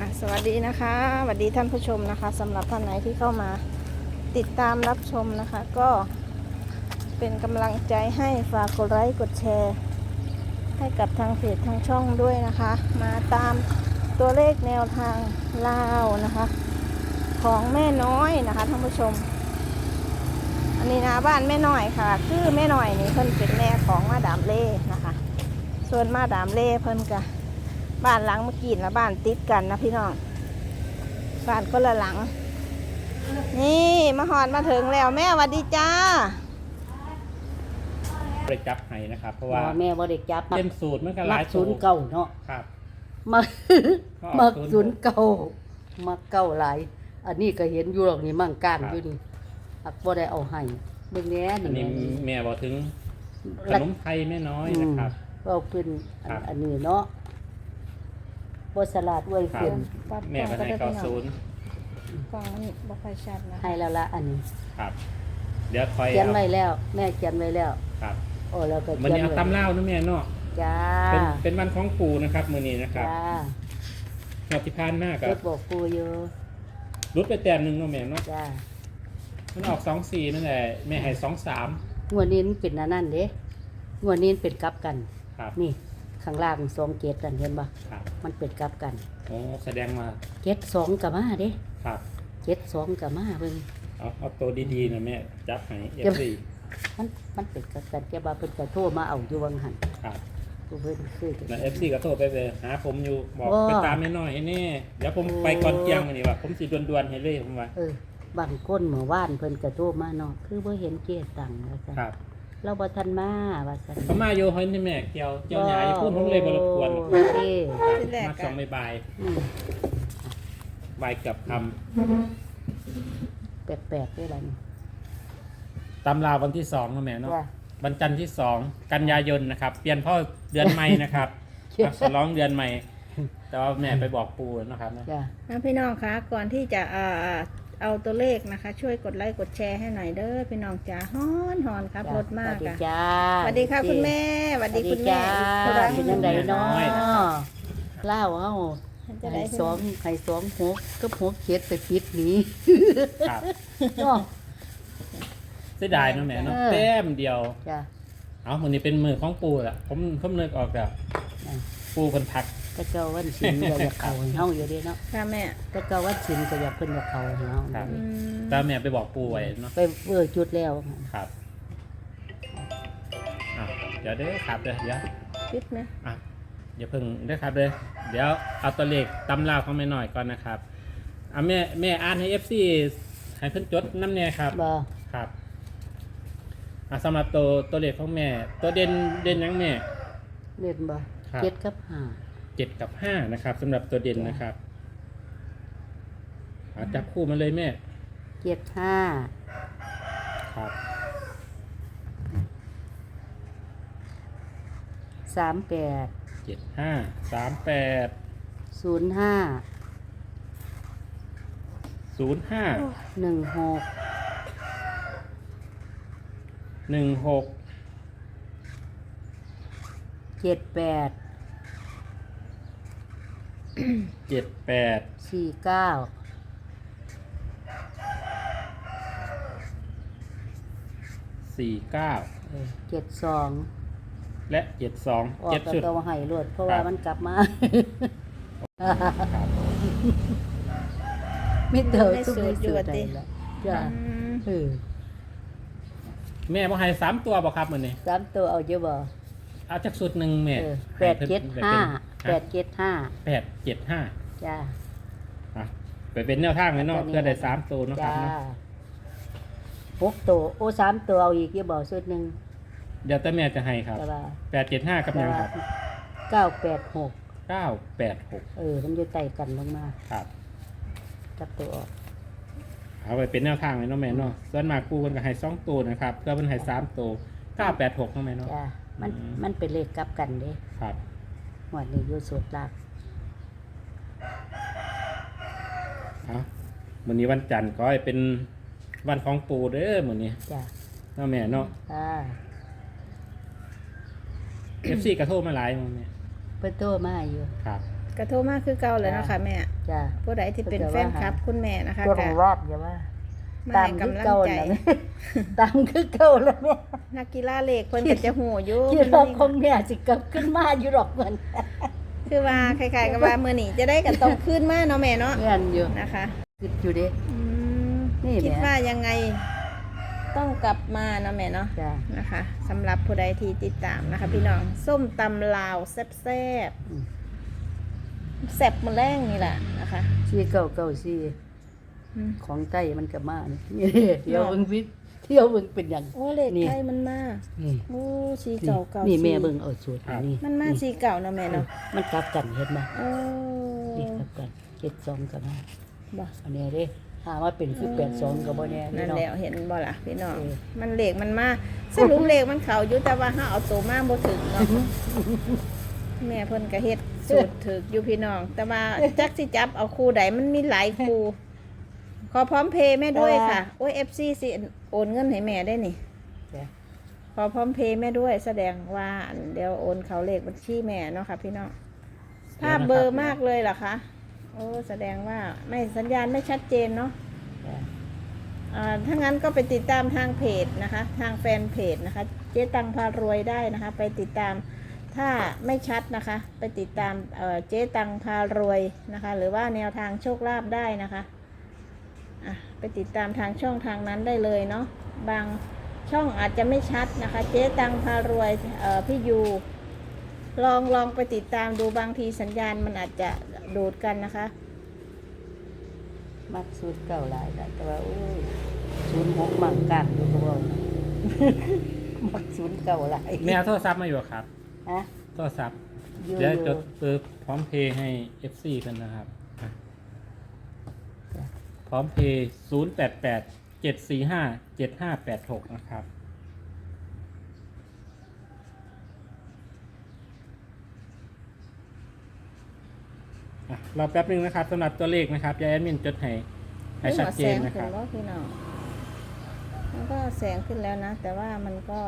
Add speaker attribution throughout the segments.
Speaker 1: สวัสดีนะคะสวัสดีท่านผู้ชมนะคะสำหรับท่านไหนที่เข้ามาติดตามรับชมนะคะ ก็เป็นกำลังใจให้ฝากกดไลค์กดแชร์ให้กับทางเพจทางช่องด้วยนะคะ มาตามตัวเลขแนวทางลาวนะคะ ของแม่น้อยนะคะท่านผู้ชม อันนี้นะบ้านแม่น้อยค่ะคือแม่น้อยนี่เพิ่นเป็นแม่ของมาดามเล่นะคะ ส่วนมาดามเล่เพิ่นกะบ้านหลังเมื่อกี้และบ้านติดกันนะพี่น้องบ้านก็ละหลังนี่มาหอดมาถึงแล้วแม่สวัสดีจ้า
Speaker 2: ไปจับให้นะครับเพราะว่า
Speaker 3: แม่บ่ได้จับ
Speaker 2: เป็นสูตรมันก็ห
Speaker 3: มั
Speaker 2: ลาย
Speaker 3: กศูนย์เก่าเนาะ
Speaker 2: ครับ
Speaker 3: มัก
Speaker 2: ก็
Speaker 3: มัก
Speaker 2: ศู
Speaker 3: ศู
Speaker 2: น
Speaker 3: น
Speaker 2: ย์
Speaker 3: ย์เก่ามักเก่าหลายอันนี้ก็เห็นอยู่หรอกนี่มั่งก้าง
Speaker 2: ครับ
Speaker 3: อยู่นี่อักบ่ได้เอาให้เบิ่งแหน่
Speaker 2: อันนี้
Speaker 3: นี่
Speaker 2: แม่บอกถึงขนมไทยแม่น้อยนะครับ
Speaker 3: เราเป็น
Speaker 2: ครับ
Speaker 3: อันนี้เนาะบ่สลัดไว้
Speaker 2: ครับ
Speaker 3: ขึ้น
Speaker 2: แม่ก็ให้เก้าศูนย์
Speaker 1: กล่องนี่บ่ค่อยชัดนะ
Speaker 3: ให้แล้วละอันนี้
Speaker 2: ครับ เดี๋ยวคอย
Speaker 3: เขียน
Speaker 2: เอา
Speaker 3: ไว้แล้ว แม่เขียนไว้แล้ว
Speaker 2: ครับ
Speaker 3: โอ้แล้วก็
Speaker 2: มัน
Speaker 3: เขียน
Speaker 2: นี้เอา
Speaker 3: ไว้
Speaker 2: ตำเล่าวนะแม่เนาะ
Speaker 3: จ้า
Speaker 2: เป็นวันของปู่นะครับมือนี้นะครับ
Speaker 3: จ้า
Speaker 2: หอดที่พานมาก
Speaker 3: เก็
Speaker 2: กั
Speaker 3: บบ บอกกูอยู่
Speaker 2: รุดไปแต้มหนึ่งเนาะแม่เนาะ
Speaker 3: จ้า
Speaker 2: มันออก2-4นั่นแหละแม่ให้2-3
Speaker 3: งวดนี้มันเป็นอันนั้นเด้งวดนี้มันเป็นกลับกัน
Speaker 2: ครับ
Speaker 3: นี่ข้างล่าง2เกตนั่นเห็นบ่
Speaker 2: ครับ
Speaker 3: มันเป็นกลับกัน
Speaker 2: โอ้แสดงมา
Speaker 3: เจ็ดสองกับมาเด้
Speaker 2: ครับ
Speaker 3: เจ็ดสองกับมาเบิ่ง
Speaker 2: เอาตัวดีๆนะแม่จับให้ FC
Speaker 3: มันเป็นกลับกันแกบ่าเพิ่นก็โทรมาเอาอยู่วังหัน
Speaker 2: ครับ
Speaker 3: ผู้เพิ่นคือ
Speaker 2: แล้ว FC ก็โทรไปเลยหาผมอยู่บอก
Speaker 3: โอ้
Speaker 2: ไปตามแม่น้อยให้แน่เดี๋ยวผม
Speaker 3: โอ้
Speaker 2: ไปก่อนเที่ยงนี่ว่าผมสิด่วนๆให้เลยผมว่า
Speaker 3: บางคนเมื่อวานเพิ่นก็โทรมาเนาะคือบ่เห็นเกียรตังค์ว่าซั่น
Speaker 2: ครับ
Speaker 3: เราบ่ทันมาว่าซั่น
Speaker 2: เขามาอยู่เฮ้ยนี่แม่เกี่ยวใหญ่พูดผมเลยบ่รบกวน
Speaker 3: โอเค
Speaker 2: ครับมา2บ่าย
Speaker 3: อืม
Speaker 2: บ่ายเกับค
Speaker 3: แปลกๆด้วยล่ะนี่
Speaker 2: ำตำราวันที่2นะแม่เนาะ
Speaker 3: จ้ะ
Speaker 2: วันจันทร์ที่2กันยายนนะครับเปลี่ยนพ่อเดือนใหม่นะครับ ฉลองเดือนใหม่ แต่ว่าแม่ไปบอกปู่นะครับนะ
Speaker 3: จ้ะ
Speaker 1: พี่น้องคะก่อนที่จะเอาตัวเลขนะคะ ช่วยกดไลค์กดแชร์ให้หน่อยเด้อพี่น้องจ๋าฮ้อนครับรถมาก
Speaker 3: สวัสดี
Speaker 1: อ่ะ
Speaker 3: จ้า
Speaker 1: สวัสดีค่ะคุณแม่สวัสดีคุณแม่
Speaker 3: สวัสดีจ้า
Speaker 1: อีกครั้ง
Speaker 3: เป็นจังไดเนาะเล่าเฮา
Speaker 1: จะได้
Speaker 3: ให้สองหกกับหกเจ็ดไปปิดหนี้
Speaker 2: ครับ
Speaker 3: เนาะ
Speaker 2: เสียดายเนาะแม่เนาะ
Speaker 3: เออ
Speaker 2: แต้มเดียว
Speaker 3: จ้ะ
Speaker 2: เอามื้อนี้เป็นมือของปู่ล่ะผมนึกออกแล้ว
Speaker 3: อ่ะ
Speaker 2: ปู่เพิ่นทัก
Speaker 3: ก็เจ้าวันศิลป์ก็อยากเขาให้เฮาอยู่เด้เนาะ
Speaker 1: ค่ะแม่
Speaker 3: ก็เจ้าวันศิลป์ก็อยากเพิ่นอยากเขาให้เฮา
Speaker 2: ครับ
Speaker 1: อืม
Speaker 2: แต่แม่ไปบอกปู่ไว้เนาะ
Speaker 3: ไปจุดแล้ว
Speaker 2: ครับอ่ะเดี๋ยวเด้อครับเดี๋ยว
Speaker 1: ปิดไหม
Speaker 2: อ่ะอย่าเพิ่งเด้อครับเด้อเดี๋ยวเอาตัวเลขตำราของแม่หน่อยก่อนนะครับอ่ะแม่อ่านให้ FC ให้เพิ่นจดน้ำแน่ครับ
Speaker 3: บ่
Speaker 2: ครับอ่ะสำหรับตัวเลขของแม่ ตัวเด่นหยังแม่
Speaker 3: เล่นบ่
Speaker 2: ครับ
Speaker 3: เจ็ดกับห้า
Speaker 2: 7 กับ 5นะครับสำหรับตัวเด่นนะครับอ่ะจับคู่มาเลยแม่
Speaker 3: เจ็ดห้า
Speaker 2: ครับ
Speaker 3: 38
Speaker 2: 75 38
Speaker 3: 05
Speaker 2: 05
Speaker 3: 16
Speaker 2: 16
Speaker 3: 78
Speaker 2: 78
Speaker 3: 49
Speaker 2: 49
Speaker 3: 72
Speaker 2: และ 72
Speaker 3: ออก
Speaker 2: 7
Speaker 3: ก็
Speaker 2: ชุด
Speaker 3: ต้องให้รวดเพราะ
Speaker 2: ครั
Speaker 3: ว่า
Speaker 2: บ
Speaker 3: มันกลับมา
Speaker 2: ครับ
Speaker 3: ไม่เติมทุกในสูตรใดละจ้ะ
Speaker 1: อืม
Speaker 3: เออ
Speaker 2: แม่บอกให้3ตัวบอกครับมื้อนี้
Speaker 3: สามตัวเอาเยอะบ่
Speaker 2: เอาจากสุดหนึ่งแม่
Speaker 3: แปดเจ็ดห้าจ้า
Speaker 2: อ่ะไปเป็นแนวทางเลยเนาะเพื่อได้3ตัวเนาะครั
Speaker 3: จ้า
Speaker 2: บเนาะ
Speaker 3: หกตัวโอ้สามตัวเอาอีกเยอะบ่สุดหนึ่ง
Speaker 2: เดี๋ยวแต่แม่จะให้ครับ
Speaker 3: แต่ว่า
Speaker 2: 875กับหยังครับ
Speaker 3: 986
Speaker 2: 986
Speaker 3: มันจะไต่กันลงมา
Speaker 2: ครับ
Speaker 3: จับตัวออก
Speaker 2: เอาไปเป็นแนวทางเลยเนาะแม่เนาะส่วนมากกูมันก็ให้2ตัวนะครับเพื่อมันให้3ตัว986เนาะแม่เนาะ
Speaker 3: จ้ามัน
Speaker 2: อืม
Speaker 3: มันเป็นเลขกลับกันเด้
Speaker 2: ครับ
Speaker 3: หมวดนี้อยู่สุดลาก
Speaker 2: เอามื้อนี้วันจันทร์ก็ให้เป็นวันของปู่เด้อมื้อนี้
Speaker 3: จ้า
Speaker 2: เนาะแม่เนาะ
Speaker 3: จ้า
Speaker 2: FC กระโทรมาหลายมื้อแม่
Speaker 3: เพิ่นโตมาอยู่
Speaker 2: ครับ
Speaker 1: กระโทรมาคือเก่าเลยเนาะค่ะแม่
Speaker 3: จ้ะ
Speaker 1: ผู้ใดที่เป็นแฟนคลับคุณแม่นะคะ
Speaker 3: ตัว
Speaker 1: ก็
Speaker 3: รอบอย่าว่า
Speaker 1: มา
Speaker 3: ตาม
Speaker 1: ให้
Speaker 3: คือก
Speaker 1: ำลัง
Speaker 3: เก่า
Speaker 1: ใจ
Speaker 3: น่ะ ตามคือเก่าแล้วแม่
Speaker 1: นักกีฬาเหล็กเพิ่นก็จะหูอยู่
Speaker 3: คิดว่าคงเนี่ยสิกลับขึ้นมาอยู่ดอกเหมือน
Speaker 1: คือว่าคล้ายๆกับว่ามื้อนี้จะได้กันต้องขึ้นมาเนาะแม่เนาะ
Speaker 3: เงินอยู่
Speaker 1: นะคะ
Speaker 3: คิดอยู่เด้
Speaker 1: อืม
Speaker 3: นี่แหละ
Speaker 1: คิดว่ายังไงต้องกลับมาเนาะแม่เนาะ
Speaker 3: จ้ะ
Speaker 1: นะคะสำหรับผู้ใดที่ติดตามนะคะ พี่น้องส้มตำลาวแซ่บ
Speaker 3: อืม
Speaker 1: ๆแซ่บมื้อแรงนี่แหละนะคะ
Speaker 3: 4994
Speaker 1: อืม
Speaker 3: ของไต้มันก็มานี่เที่ยวเบิ่งวิเที่ยวเบิ่งเป็นหยัง
Speaker 1: โอ้เลข
Speaker 3: นี่
Speaker 1: ไทยมันมา
Speaker 3: นี่
Speaker 1: โอ้สี
Speaker 3: นี่
Speaker 1: เก่าเก่า
Speaker 3: นี่
Speaker 1: สี
Speaker 3: แม่เบิ่งเอาสูตรนี่
Speaker 1: มันมาสีเก่าเนาะแม่เนาะ
Speaker 3: มันกลับกันเห็นบ่
Speaker 1: โอ้
Speaker 3: นี่กลับกัน72ก็มา
Speaker 1: บ่
Speaker 3: อันนี้เด้หาว่าเป็นคือ82ก็บ่แน่
Speaker 1: นั่น
Speaker 3: เนาะ
Speaker 1: แล้วเห็นบ่ล่ะพี่น้อง
Speaker 3: เออ
Speaker 1: มันเลขมันมาสรุปเลขมันเข้าอยู่แต่ว่าเฮาเอาตัวมาบ่ถึงเนาะแม่เพิ่นก็เฮ็ดสูตรถึกอยู่พี่น้อง แต่ว่าจักสิจับเอาคู่ใดมันมีหลายคู่ขอพร้อมเพย์แม่ด้วยค่ะโอ้ย FC สิโอนเงินให้แม่ได้นี่
Speaker 3: จ้ะ
Speaker 1: ขอพร้อมเพย์แม่ด้วยแสดงว่าเดี๋ยวโอนเขาเลขบัญชีแม่เนาะค่ะพี่น้องภาพเบลอร์มากเลยเหรอคะโอ้แสดงว่าไม่สัญญาณไม่ชัดเจนเนาะ
Speaker 3: จ้ะ
Speaker 1: ถ้างั้นก็ไปติดตามทางเพจนะคะ ทางแฟนเพจนะคะเจ๊ตังพารวยได้นะคะ ไปติดตามถ้าไม่ชัดนะคะ ไปติดตามเจ๊ตังพารวยนะคะ หรือว่าแนวทางโชคลาภได้นะคะไปติดตามทางช่องทางนั้นได้เลยเนาะบางช่องอาจจะไม่ชัดนะคะ เจ๊ตังพารวยพี่ยูลองไปติดตามดูบางทีสัญญาณมันอาจจะดูดกันนะคะ
Speaker 3: มักสูตรเก่าหลายได้แต่ว่าโอ้ย06มักกากอยู่ก็บ่มักสูตรเก่าหลาย
Speaker 2: แม่เอาโทรศัพท์มาอยู่ครับ
Speaker 3: ฮะ
Speaker 2: โทรศัพท์
Speaker 3: อยู่
Speaker 2: เดี๋ยวจดปึ๊บพร้อมเพย์ให้ FC กันนะครับอ่ะพร้อมเพย์0887457586นะครับอ่ะรอแป๊บนึงนะครับสำหรับตัวเลขนะครับยายแอดมินจดให้ชัดเจนนะครับ
Speaker 1: ขึ้แล้วพี่น้องมันก็แสงขึ้นแล้วนะ แต่ว่ามันก็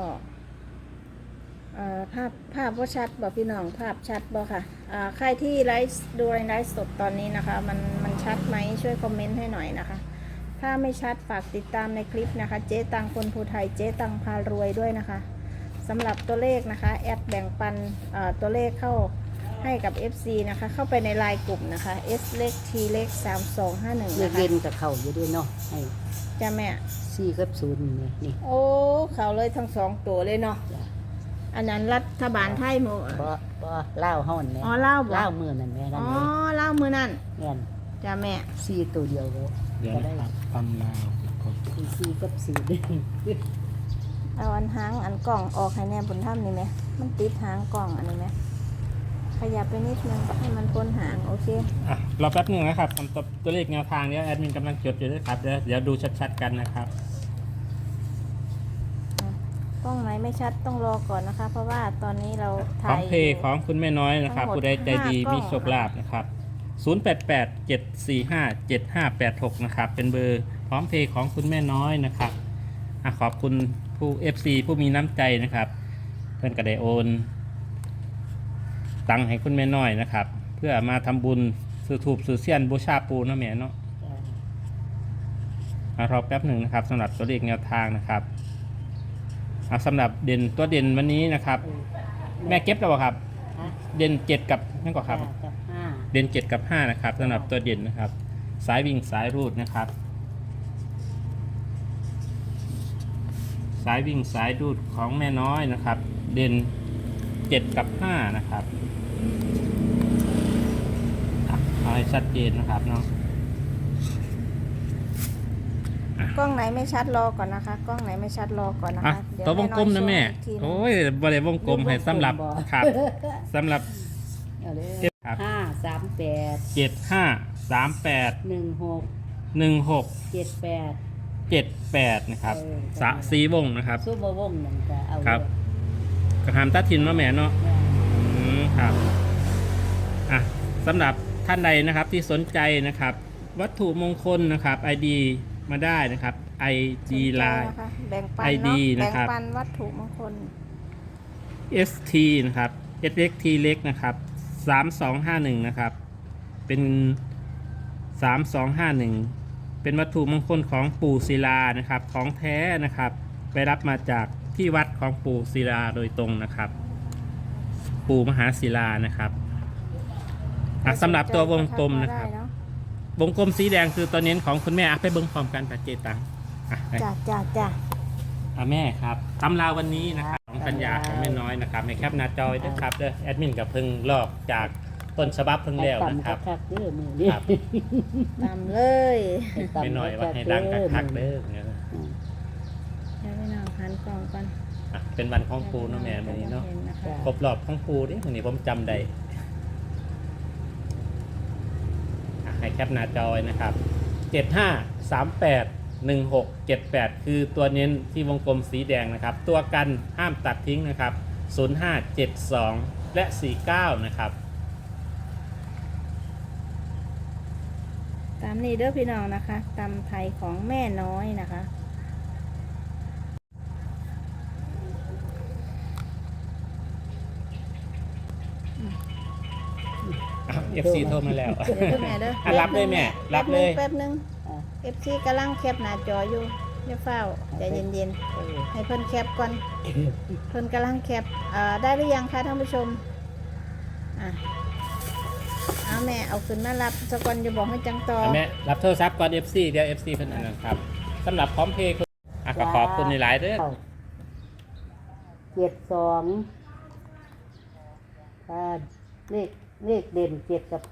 Speaker 1: ภาพว่าชัดบอกพี่น้องภาพชัดบอกค่ะใครที่ไลฟ์ดูไลฟ์สดตอนนี้นะคะ มันชัดไหมช่วยคอมเมนต์ให้หน่อยนะคะ ถ้าไม่ชัดฝากติดตามในคลิปนะคะ เจ๊ตังคนภูไทยเจ๊ตังพารวยด้วยนะคะสำหรับตัวเลขนะคะแอดแบ่งปันตัวเลขเข้าให้กับ FC นะคะเข้าไปในไลน์กลุ่มนะคะ S เล็ก T เล็ก3251
Speaker 3: เลือ
Speaker 1: นะ
Speaker 3: ก
Speaker 1: คะ
Speaker 3: เย็นกับเขาอยู่ด้วยเนาะให้
Speaker 1: จ้าแม่
Speaker 3: 4กับ0นี่นี่
Speaker 1: โอ้เขาเลยทั้งสองตัวเลยเนาะ
Speaker 3: จ้ะ
Speaker 1: อันนั้นรัฐบาลไทยหมด
Speaker 3: บ่เล่าวเฮานั่นแหละ
Speaker 1: อ๋อเล่าบ่
Speaker 3: เล่าวมื้อนั่นแหม่นั่
Speaker 1: อ๋
Speaker 3: น
Speaker 1: อ
Speaker 3: แหละ
Speaker 1: เล่ามือนั่น
Speaker 3: แม่น
Speaker 1: จ้าแม่
Speaker 3: 4ตัวเดียวก็
Speaker 2: เดี๋ยว
Speaker 3: ก็
Speaker 2: นะ
Speaker 3: ได้
Speaker 2: ครับตำลาว
Speaker 3: 4กับ4นี่
Speaker 1: เอาอันหางอันกล่องออกให้แน่บนถ้ำนี่ไหมมันติดหางกล่องอันนี้ไหมขยับไปนิดนึงให้มันพ้นหางโอเค
Speaker 2: อ่ะรอแป๊บนึงนะครับคำตอบตัวเลขแนวทางเนี้ยแอดมินกำลังจดอยู่ด้วยครับเดี๋ยวดูชัดๆกันนะครับ
Speaker 1: กล้องไหนไม่ชัดต้องรอก่อนนะคะ เพราะว่าตอนนี้เรา
Speaker 2: พร้อ
Speaker 1: ถ่าม ย
Speaker 2: เพย์ของคุณแม่น้อยนะครับ
Speaker 1: ทั้งหมด
Speaker 2: ผู้ใดใจดี
Speaker 1: 5กล้อง
Speaker 2: มีโชคลาภนะครับ0887457586นะครับเป็นเบอร์พร้อมเพย์ของคุณแม่น้อยนะครับอ่ะขอบคุณผู้ FC ผู้มีน้ำใจนะครับ เพื่อนก็ได้โอนตังค์ให้คุณแม่น้อยนะครับ เพื่อมาทำบุญซื้อถูปซื้อเสี้ยนบูชาปูเนาะแม่เนาะรอแป๊บหนึ่งนะครับสำหรับตัวเลขแนวทางนะครับสำหรับเด่นตัวเด่นวันนี้นะครับ แม่เก็บแล้วบ่ครับ
Speaker 3: ฮะ
Speaker 2: เด่น7กับนั่นก็ครับ
Speaker 3: กับ5
Speaker 2: เด่น7กับ5นะครับสำหรับตัวเด่นนะครับ สายวิ่งสายรูดนะครับ สายวิ่งสายรูดของแม่น้อยนะครับ เด่น7กับ5นะครับเอาให้ชัดเจนนะครับเนาะ
Speaker 1: กล้องไหนไม่ชัดรอก่อนนะคะ กล้องไหนไม่ชัดรอก่อนนะ
Speaker 2: อ่ะ
Speaker 1: คะเดี๋ยว
Speaker 2: ตัววงกลมนะแม่
Speaker 1: น้อยโชว์อีกทีหนึ่ง
Speaker 2: โอ้ยบริเวณวงกลมให้สำหรับครับสำหรับ
Speaker 3: เอาเลย
Speaker 2: ครับ
Speaker 3: 538
Speaker 2: 7538
Speaker 3: 16
Speaker 2: 16
Speaker 3: 78
Speaker 2: 78นะครับ
Speaker 3: เออ
Speaker 2: สีวงนะครับ
Speaker 3: ซูเปอร์วงนั่นก็เอา
Speaker 2: ครับ กระหามตัดทินมาแม่เนาะ ครับอ่ะสำหรับท่านใดนะครับที่สนใจนะครับ วัตถุมงคลนะครับ ID มาได้นะครับ ID
Speaker 1: สนใจ
Speaker 2: Line
Speaker 1: นะคะแบ่งปัน
Speaker 2: ID
Speaker 1: เนาะ
Speaker 2: นะครับ
Speaker 1: แบ่งปันวัตถุมงคล
Speaker 2: ST นะครับ SXT เล็กนะครับ 3251นะครับเป็น3251เป็นวัตถุมงคลของปู่ศิลานะครับของแท้นะครับไปรับมาจากที่วัดของปู่ศิลาโดยตรงนะครับปู่มหาศิลานะครับสำหรับตัววงกลมนะครับวงกลมสีแดงคือตัวเน้นของคุณแม่ไปเบิ้งพร้อมกันปัจเจตังไป
Speaker 1: จ้า
Speaker 2: แม่ครับตำราวันนี้นะครับของปัญญาของแม่น้อยนะครับในแคปหน้าจอยด้วยครับเด้อแอดมินกับเพิ่งลอกจากต้นฉบับเพิ่งแล้วนะครับ
Speaker 3: คักๆเด้อมือนี้
Speaker 2: ครับ
Speaker 1: ตามเลย
Speaker 2: ไม่น้อยว่าให้ดังคักๆเด้อเนี่ย
Speaker 1: เดี๋ยวพี่น้องหันกล่องก่อน
Speaker 2: เป็นวันของปูเนาะแม่วันนี้เนาะครบรอบของปูดิวันนี้ผมจำได้ให้แคปหน้าจอยนะครับ75381678คือตัวเน้นที่วงกลมสีแดงนะครับตัวกันห้ามตัดทิ้งนะครับ0572และ49นะครับ
Speaker 1: ตามนี้เด้อพี่น้องนะคะตำไทยของแม่น้อยนะคะ
Speaker 2: FC โทรมาแล้ว
Speaker 1: เดี๋ยวแม่เด้อ
Speaker 2: รับเลยแม่รับเลย
Speaker 1: แป๊บนึง FC กำลังแคปหน้าจออยู่อย่าเฝ้าใจเย็นๆให้เพิ่นแคปก่อนเพิ่นกำลังแคปได้หรือยังคะท่านผู้ชมเอาแม่เอาขึ้นมารับสกอนจะบอกให้จังต่อ
Speaker 2: แม่รับโทรศัพท์ก่อน FC เดี๋ยว FC เพิ่นอันนั้นครับสำหรับพร้อมเพย์ก็ขอบคุณหลายๆเด้อ
Speaker 3: 72เลขเด่น7 กับ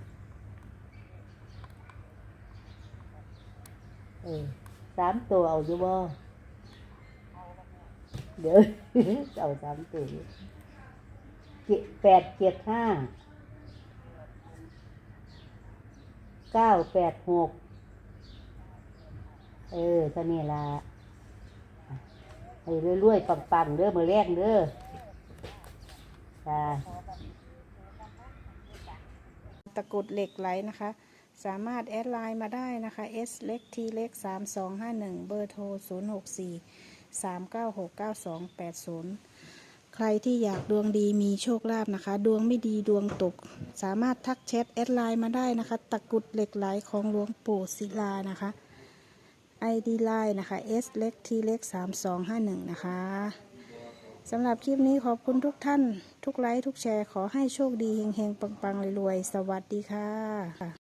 Speaker 3: 53 ตัวเอาอยู่บ่เดี๋ยว เอา3 ตัว875 986เท่านี้ละให้รวยๆปังๆเด้อมื้อแรกเด้อจ้า
Speaker 1: ตะกรุดเหล็กไหลนะคะสามารถแอดไลน์มาได้นะคะ S เล็ก T เล็ก3251เบอร์โทร064 396 9280ใครที่อยากดวงดีมีโชคลาภนะคะดวงไม่ดีดวงตกสามารถทักแชทแอดไลน์มาได้นะคะตะกรุดเหล็กไหลของหลวงปู่ศิลานะคะ ID ไลน์นะคะ S เล็ก T เล็ก3251นะคะสำหรับคลิปนี้ขอบคุณทุกท่านทุกไลค์ทุกแชร์ขอให้โชคดีเฮงๆปังๆรวยๆสวัสดีค่ะ